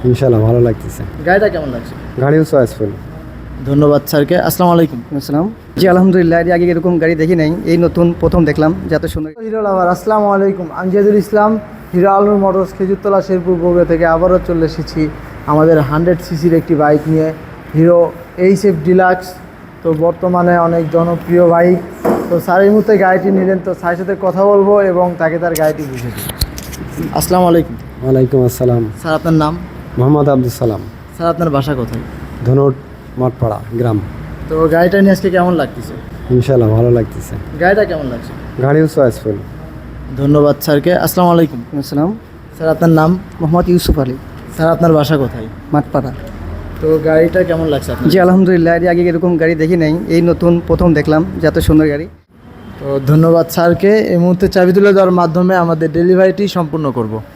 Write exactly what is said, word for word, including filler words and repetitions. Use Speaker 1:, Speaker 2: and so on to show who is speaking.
Speaker 1: ইনশাআল্লাহ ভালো লাগতেছে।
Speaker 2: গাড়িটা কেমন লাগছে?
Speaker 1: গাড়িও চয়েসফুল।
Speaker 2: ধন্যবাদ স্যারকে। আসসালামু আলাইকুম।
Speaker 3: আসসালাম। জি আলহামদুলিল্লাহ, এর আগে এরকম গাড়ি দেখি নাই, এই নতুন প্রথম দেখলাম, যত সুন্দর।
Speaker 4: হিরো লাভার, আসসালামু আলাইকুম। আমি জিয়াদুল ইসলাম, হিরো আলনুর মোটরস খেজুরতলা শেরপুর বগুড়া থেকে আবারও চলে এসেছি আমাদের হান্ড্রেড সিসির একটি বাইক নিয়ে, হিরো এইচ এফ ডিলাক্স। তো বর্তমানে অনেক জনপ্রিয় বাইক। তো স্যার এই মুহূর্তে গাড়িটি নিলেন, তো স্যারের সাথে কথা বলবো এবং তাকে তার গাড়িটি বুঝে দেবো।
Speaker 2: আসসালামু আলাইকুম।
Speaker 1: ওয়ালাইকুম আসসালাম।
Speaker 2: স্যার আপনার নাম?
Speaker 1: মোহাম্মদ আব্দুল সালাম,
Speaker 2: স্যার আপনার বাসা কোথায়?
Speaker 1: ধনুট মঠপাড়া গ্রাম।
Speaker 2: তো গাড়িটা নিয়ে আজকে কেমন লাগতেছে?
Speaker 1: ইনশাআল্লাহ ভালো লাগতেছে।
Speaker 2: গাড়িটা কেমন লাগছে?
Speaker 1: গাড়িও চয়েসফুল।
Speaker 2: ধন্যবাদ স্যারকে। আসসালামু আলাইকুম।
Speaker 3: আসসালাম।
Speaker 2: স্যার আপনার নাম?
Speaker 3: মোহাম্মদ ইউসুফ আলী,
Speaker 2: স্যার আপনার বাসা কোথায়?
Speaker 3: মাঠপাড়া।
Speaker 2: তো গাড়িটা কেমন লাগছে আপনার?
Speaker 3: জি আলহামদুলিল্লাহ, এর আগে এরকম গাড়ি দেখি নাই, এই নতুন প্রথম দেখলাম, যত সুন্দর গাড়ি।
Speaker 4: তো ধন্যবাদ স্যারকে। এই মুহূর্তে চাবি তুলে দেওয়ার মাধ্যমে আমাদের ডেলিভারিটি সম্পূর্ণ করব।